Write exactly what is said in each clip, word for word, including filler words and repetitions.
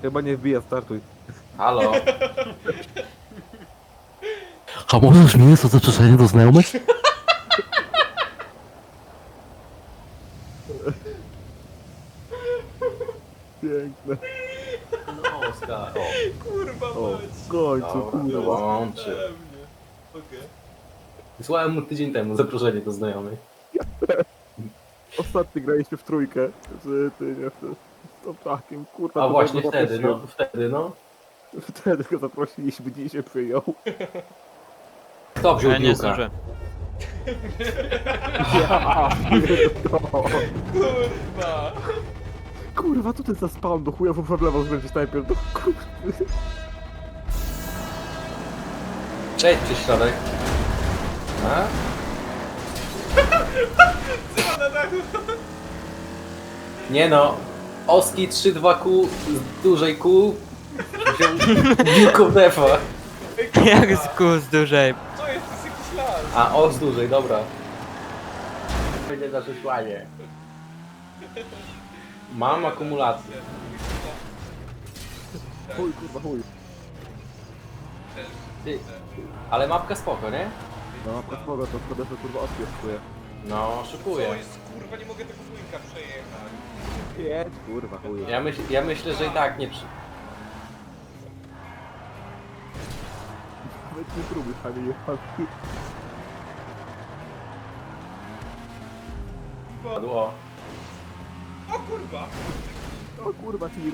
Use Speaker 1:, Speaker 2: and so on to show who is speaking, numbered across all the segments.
Speaker 1: Chyba nie wbija, startuj.
Speaker 2: Halo?
Speaker 3: A możesz mi to zaproszenie do znajomych?
Speaker 1: Piękne.
Speaker 2: No, Oskar. O,
Speaker 4: Kurwa
Speaker 1: O,
Speaker 4: mać.
Speaker 1: w końcu,
Speaker 2: dobra,
Speaker 1: kurwa.
Speaker 2: dołączy.
Speaker 4: Pewnie. Okej.
Speaker 2: Wysłałem mu tydzień temu zaproszenie do znajomych.
Speaker 1: Ostatni graliśmy w trójkę. Z ty, nie, z tą takim, kurwa.
Speaker 2: A
Speaker 1: to
Speaker 2: właśnie
Speaker 1: tego
Speaker 2: wtedy, no,
Speaker 1: zaprosiłem.
Speaker 2: wtedy, no.
Speaker 1: Wtedy go zaprosiliśmy, dziś się przyjął.
Speaker 2: Kto wziął
Speaker 5: Ja nie
Speaker 2: piłkę?
Speaker 5: zdążę.
Speaker 1: Ja pierdolę.
Speaker 4: Kurwa.
Speaker 1: Kurwa, co ty za spawn do chuja w lewo zbędzie snajper? Do kurwa.
Speaker 2: Cześć, przez środek. A?
Speaker 4: Co na dachu?
Speaker 2: Nie no. Oski trzy dwa Q z dużej Q wziął piłką defa.
Speaker 5: Jak z kół z dużej.
Speaker 4: Co jest? To jest jakiś las.
Speaker 2: A o z dużej, dobra. Będzie za przesłanie. Mam akumulację.
Speaker 1: Chuj, kurwa, chuj.
Speaker 2: Ty, ale mapka spoko, nie?
Speaker 1: No, mapka smoga, to wtedy to kurwa odpieszkuje.
Speaker 2: No,
Speaker 4: Co
Speaker 2: szykuję.
Speaker 4: jest? Kurwa, nie mogę tego wujka przejechać.
Speaker 1: Jedź, kurwa, chuj.
Speaker 2: Ja, myśl, ja myślę, że i tak nie przy...
Speaker 1: Weź nie próbuj, Kamil.
Speaker 2: Padło.
Speaker 4: O kurwa.
Speaker 1: O kurwa, tir.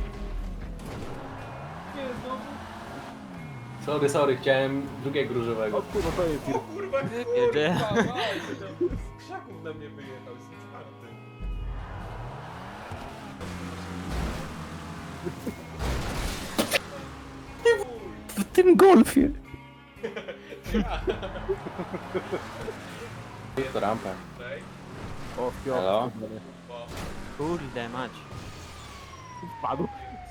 Speaker 4: Nie, znowu.
Speaker 2: Sorry, sorry, chciałem drugiego różowego.
Speaker 1: O kurwa, to jest tir.
Speaker 4: O kurwa,
Speaker 5: Jedzie.
Speaker 4: kurwa, mać. Z krzaków na mnie wyjechał, jestem czwarty.
Speaker 3: W tym golfie.
Speaker 2: To rampę.
Speaker 4: Okej.
Speaker 1: O, fio.
Speaker 2: Halo?
Speaker 5: Kurde mać.
Speaker 1: Wpadł.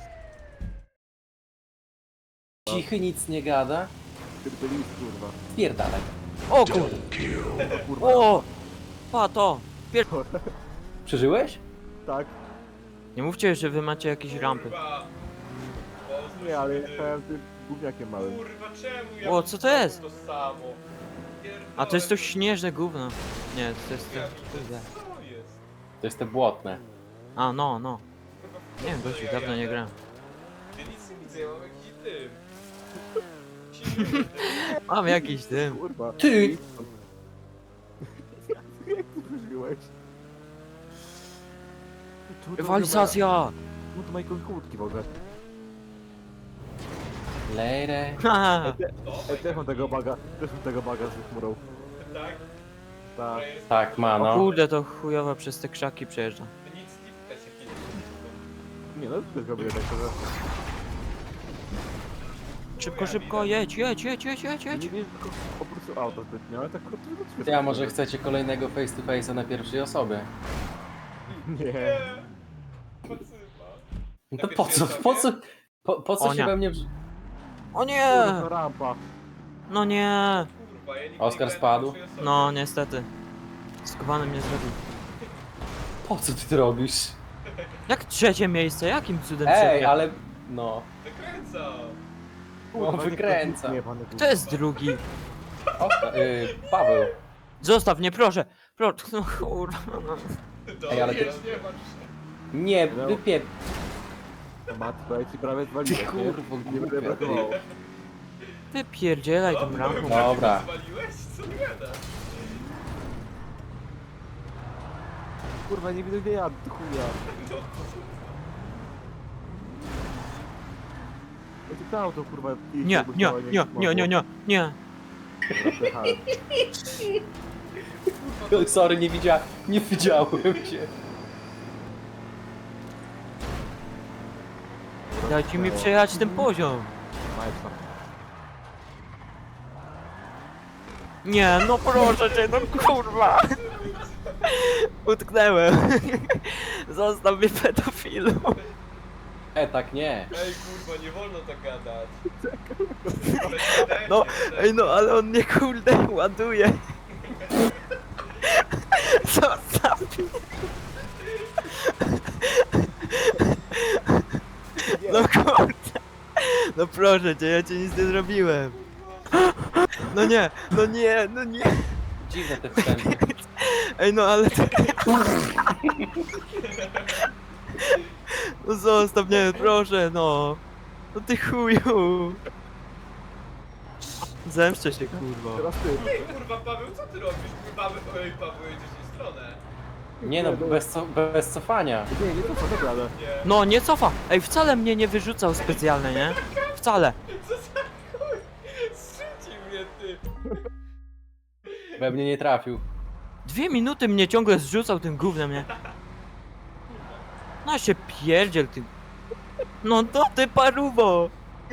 Speaker 2: Cichy, nic nie gada.
Speaker 1: Pierdolist, kurwa.
Speaker 2: Spierdalaj.
Speaker 5: O kurde.
Speaker 1: O kurwa.
Speaker 5: O! Pato! Pier...
Speaker 2: Przeżyłeś?
Speaker 1: Tak.
Speaker 5: Nie mówcie, że wy macie jakieś rampy.
Speaker 4: Kurwa. O,
Speaker 1: Nie, ale jechałem tym gówniakiem małym.
Speaker 4: Kurwa, czemu ja
Speaker 5: O, co to jest?
Speaker 4: To samo.
Speaker 5: A to jest to
Speaker 4: Pierdolę.
Speaker 5: śnieżne gówno. Nie, to jest to... Kurde.
Speaker 4: Co jest?
Speaker 2: To jest te błotne.
Speaker 5: A, no, no.
Speaker 4: Kurwa,
Speaker 5: Nie wiem,
Speaker 4: co
Speaker 5: gościu,
Speaker 4: ja
Speaker 5: dawno nie
Speaker 4: jadę?
Speaker 5: grałem.
Speaker 4: Ja nic nie widzę, ja mam jakiś dym. Silny dym.
Speaker 5: Mam jakiś dym.
Speaker 1: Kurwa.
Speaker 2: Ty!
Speaker 1: Jak ty przeżyłeś? Tu- tu- tu-
Speaker 5: Rywalizacja!
Speaker 1: No to Michael kłódki w ogóle.
Speaker 2: Lejre.
Speaker 5: Haha.
Speaker 1: Ej, też mam tego baga, też mam tego baga z chmurą.
Speaker 4: Tak?
Speaker 1: Tak.
Speaker 4: To jest...
Speaker 2: Tak, ma
Speaker 5: O
Speaker 2: no.
Speaker 5: kurde, to chujowo przez te krzaki przejeżdża.
Speaker 4: Nic nie widać, jakie nie
Speaker 1: Nie no, też go będzie tak, że...
Speaker 5: Szybko, szybko, jedź, jedź, jedź, jedź, jedź,
Speaker 1: Nie
Speaker 5: jedź.
Speaker 1: wiem, tylko po prostu auto zbytnio, ale tak krótko to
Speaker 2: Ty, a może chcecie kolejnego face to face'a na pierwszej osobie?
Speaker 1: Nie.
Speaker 4: Nie. Pacyfa.
Speaker 2: No to po co, po co, po, po co
Speaker 5: O
Speaker 2: się
Speaker 5: nie.
Speaker 2: we mnie... wrz-
Speaker 5: O nie!
Speaker 1: To rampa.
Speaker 5: No nie!
Speaker 4: Kurwa, ja nigdy
Speaker 2: Oskar
Speaker 4: nie grałem
Speaker 2: spadł?
Speaker 4: na pierwszej osobie.
Speaker 5: No niestety. Skubany mnie zrobił.
Speaker 2: Po co ty to robisz?
Speaker 5: Jak trzecie miejsce? Jakim cudem
Speaker 2: Ej,
Speaker 5: trzecie?
Speaker 2: ale... No.
Speaker 4: Wykręcam.
Speaker 2: No,
Speaker 1: Kurwa, nie
Speaker 2: wykręca.
Speaker 1: nie, panie,
Speaker 5: Kto jest drugi?
Speaker 2: Oskar, y, Paweł.
Speaker 5: Zostaw mnie, proszę! Proszę, no kurwa. no.
Speaker 2: Ej, ale ty-
Speaker 4: Dobrze, nie masz.
Speaker 2: Nie, wypie...
Speaker 1: kurwa. Matko, ja ci prawie
Speaker 2: Ty
Speaker 1: zwaliłem, nie?
Speaker 2: kurwo,
Speaker 1: Nie będę
Speaker 2: głupia, ty.
Speaker 1: brakowało.
Speaker 5: Wypierdzielaj tą rampą.
Speaker 2: Dobra.
Speaker 4: Zwaliłeś? Co ty gadasz?
Speaker 1: Kurwa, nie widzę gdzie jadę, ty chuja. Ja ci to auto, kurwa, iść,
Speaker 5: Nie,
Speaker 1: jakby
Speaker 5: nie,
Speaker 1: chciała,
Speaker 5: nie, nie, nie, nie, nie, nie.
Speaker 1: Dobra, przejechałem.
Speaker 2: Sorry, nie widziałem, nie widziałem cię.
Speaker 5: Dajcie mi przejechać ten poziom.
Speaker 1: Majca.
Speaker 5: Nie, no proszę cię, no kurwa. Utknęłem. Zostaw mnie pedofilu.
Speaker 2: E, tak nie.
Speaker 4: Ej, kurwa, nie wolno tak gadać.
Speaker 5: No, ej no, ale on mnie kurde ładuje. Zostaw mnie. No kurde. No proszę cię, ja ci nic nie zrobiłem. No nie, no nie, no nie.
Speaker 2: Dziwne te wstępy.
Speaker 5: Ej, no ale to... No zostaw mnie, proszę, no. No ty chuju. Zemszczę się, kurwa.
Speaker 1: Teraz ty.
Speaker 4: Ej, kurwa, Paweł, co ty robisz? Paweł, oj, Paweł, jedziesz w jej stronę.
Speaker 2: Nie no, bez, co, bez cofania.
Speaker 1: Nie, nie to co, naprawdę.
Speaker 4: Nie.
Speaker 5: No, nie cofa. Ej, wcale mnie nie wyrzucał specjalnie, nie? Wcale.
Speaker 4: Co za chuj? Zrzucił mnie, ty.
Speaker 2: We mnie nie trafił.
Speaker 5: Dwie minuty mnie ciągle zrzucał tym gównem, nie? No się pierdziel, ty. No to ty paruwo.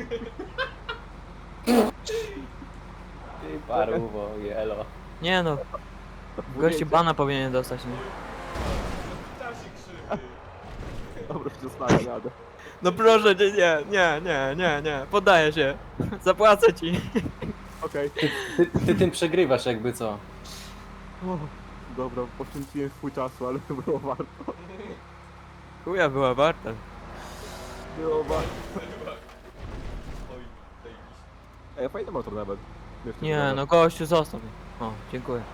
Speaker 2: Ty paruwo, jelo.
Speaker 5: Nie no, gościu bana powinien dostać, nie?
Speaker 4: Ptasi krzywy.
Speaker 1: Dobra, się zostawię, jadę.
Speaker 5: No proszę cię, nie, nie, nie, nie, nie, poddaję się. Zapłacę ci.
Speaker 1: Okej.
Speaker 2: Ty, ty tym przegrywasz jakby co.
Speaker 1: O, dobra, poświęciłem swój czasu, ale było warto.
Speaker 5: Chuja była warta.
Speaker 1: Było warto.
Speaker 4: Oj, zajebiście.
Speaker 1: Ej, fajny motor nawet. Jeszcze
Speaker 5: Nie
Speaker 1: nawet.
Speaker 5: no, gościu zostaw mnie. O, dziękuję.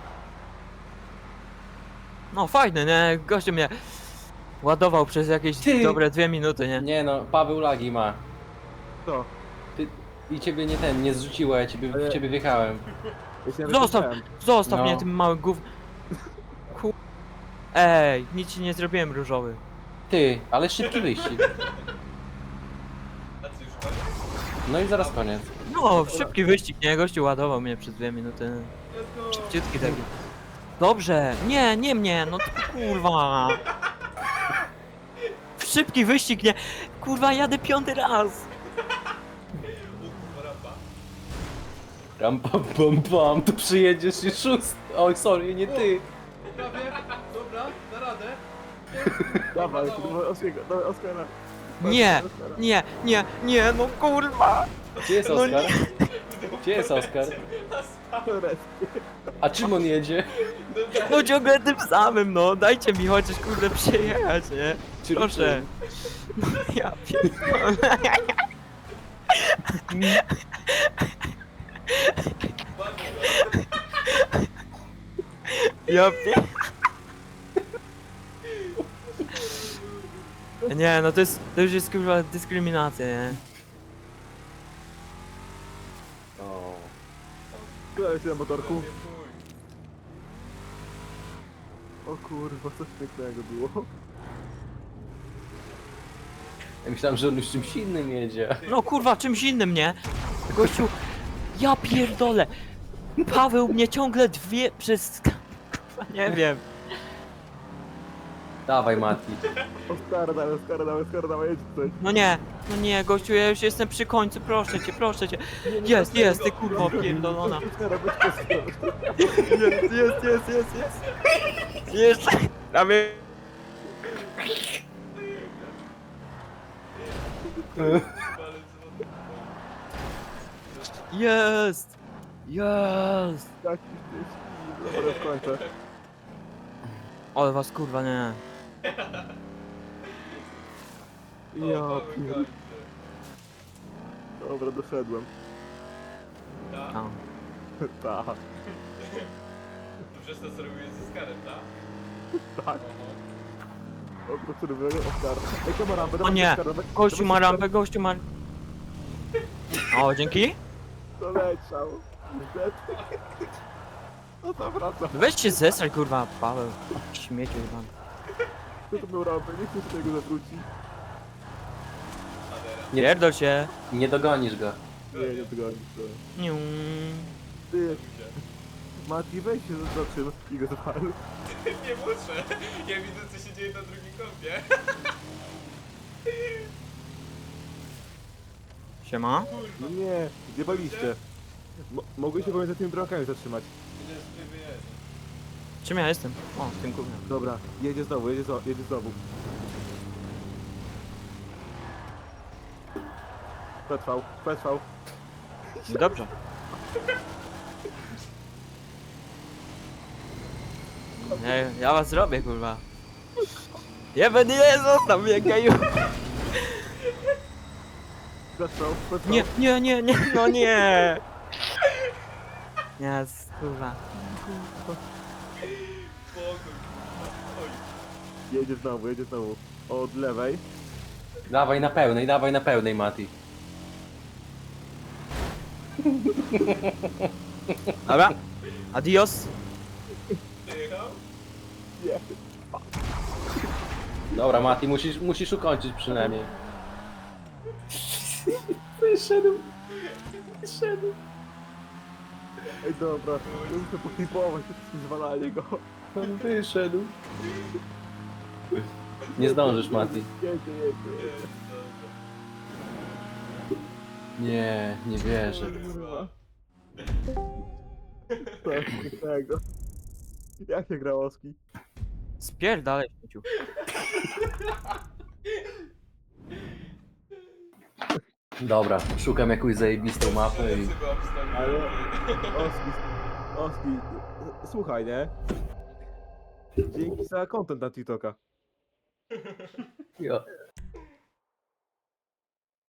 Speaker 5: No fajny, nie? Gościu mnie ładował przez jakieś
Speaker 2: Ty!
Speaker 5: dobre dwie minuty, nie?
Speaker 2: Nie no, Paweł lagi ma.
Speaker 1: Co?
Speaker 2: Ty, I ciebie nie ten, nie zrzuciło, ja ciebie,
Speaker 1: Ale-
Speaker 2: w ciebie wjechałem.
Speaker 1: Ja się nawet
Speaker 5: Zostaw,
Speaker 1: nie wiem.
Speaker 5: zostaw
Speaker 2: No.
Speaker 5: mnie tym małym gów... Ku... Ej, nic ci nie zrobiłem różowy.
Speaker 2: Ty, ale szybki wyścig.
Speaker 4: A co, już koniec?
Speaker 2: No i zaraz koniec.
Speaker 5: No, szybki wyścig, nie? Gościu ładował mnie przez dwie minuty.
Speaker 4: Let's go.
Speaker 5: Szybciutki taki. Dobrze, nie, nie mnie, no to kurwa. Szybki wyścig, nie? Kurwa, jadę piąty raz.
Speaker 4: O kurwa, rampa.
Speaker 2: Ram pam pam pam, tu przyjedziesz i szóst. Oj, sorry, nie ty.
Speaker 4: Prawie, dobra, na radę.
Speaker 1: Dawaj, to było Oskara. Dawaj, Oskara.
Speaker 5: Nie, nie, nie, nie, no kurwa.
Speaker 2: Gdzie jest
Speaker 5: No
Speaker 2: Oskar? Gdzie jest Oskar? A czym on jedzie?
Speaker 5: No ciągle tym samym, no. Dajcie mi chociaż kurde przyjechać, nie?
Speaker 2: Czym,
Speaker 5: Proszę. No, ja pierdolę. Ja pier... Nie, no to jest, to już jest kurwa dyskryminacja, nie?
Speaker 2: O.
Speaker 1: Składaj się na motorku. O kurwa, coś pięknego było.
Speaker 2: Ja myślałem, że on już czymś innym jedzie.
Speaker 5: No kurwa, czymś innym, nie? Gościu, ja pierdolę. Paweł mnie ciągle dwie przez... Kurwa, nie wiem.
Speaker 2: Dawaj Mati.
Speaker 1: Oskara, dawaj, Oskara, dawaj, Oskara, dawaj, jedź tutaj.
Speaker 5: No nie, no nie, gościu, ja już jestem przy końcu, proszę cię, proszę cię. Jest, jest, ty kurwa pierdolona.
Speaker 1: Oskara, być Oskara.
Speaker 5: Jest, jest, jest, jest, jest. Jeszcze. Prawie. Jest! Jest!
Speaker 1: Jaki ty Dobra, skończę.
Speaker 5: Ale was kurwa nie.
Speaker 1: Ja pier... Dobra, doszedłem.
Speaker 5: A.
Speaker 1: Tak,
Speaker 4: To przez to, co robiłeś ze Skarem, tak?
Speaker 1: tak. Dobra, który wygrał Oskara. Ej, to ma rampę,
Speaker 5: O
Speaker 1: dawaj,
Speaker 5: nie!
Speaker 1: Oskara, dawaj-
Speaker 5: Gościu ma
Speaker 1: dawaj,
Speaker 5: rampę, gościu ma... O, dzięki?
Speaker 1: Doleciał. Niestety. No to wraca.
Speaker 5: Weź się zesraj kurwa, Paweł. Śmieciu chyba.
Speaker 1: Kto to miał rampę? Nie chcę się tego zawrócić.
Speaker 2: Nie,
Speaker 5: Pierdol się.
Speaker 2: nie dogonisz go.
Speaker 1: Nie, nie zgodzi to.
Speaker 5: Niu.
Speaker 1: Ty, Mati, weź się zatrzym i go zapal.
Speaker 4: Nie muszę. Ja widzę, co się dzieje na drugim kąpie.
Speaker 5: Siema.
Speaker 1: No nie, zjebaliście. Mo mogły się pomiędzy tymi bramkami zatrzymać.
Speaker 5: Czym ja jestem? O, w tym kurwa.
Speaker 1: Dobra, jedzie znowu, jedzie, zo jedzie znowu. Przetrwał, przetrwał.
Speaker 5: Dobrze. Nie, ja was zrobię kurwa. Jeben nie, zostaw mnie geju.
Speaker 1: Zaczął, zaczął.
Speaker 5: Nie, nie, nie, nie, no nie! Nie, kurwa.
Speaker 4: Spokój. Oj.
Speaker 1: Jedzie znowu, jedzie znowu. Od lewej.
Speaker 2: Dawaj na pełnej, dawaj na pełnej, Mati.
Speaker 5: Dobra, adios.
Speaker 4: Jechał?
Speaker 1: Nie.
Speaker 2: Dobra, Mati, musisz, musisz ukończyć przynajmniej. Wyszedł. Wyszedł.
Speaker 1: Ej, dobra. Ja muszę poklipować, to jest zwalanie go.
Speaker 2: On wyszedł. Nie zdążysz, Mati.
Speaker 1: Jedzie, jedzie.
Speaker 4: Jest, dobra.
Speaker 2: Nie, nie wierzę.
Speaker 1: Kurwa. Coś pięknego. Jak się gra Oski?
Speaker 5: Spierdalaj, śmieciu.
Speaker 2: Dobra, szukam jakąś zajebistą mapę i...
Speaker 4: Sobie obstawiłem.
Speaker 1: Ale... Oski, Oski, słuchaj, nie? Dzięki za content na TikToka.
Speaker 2: Jo.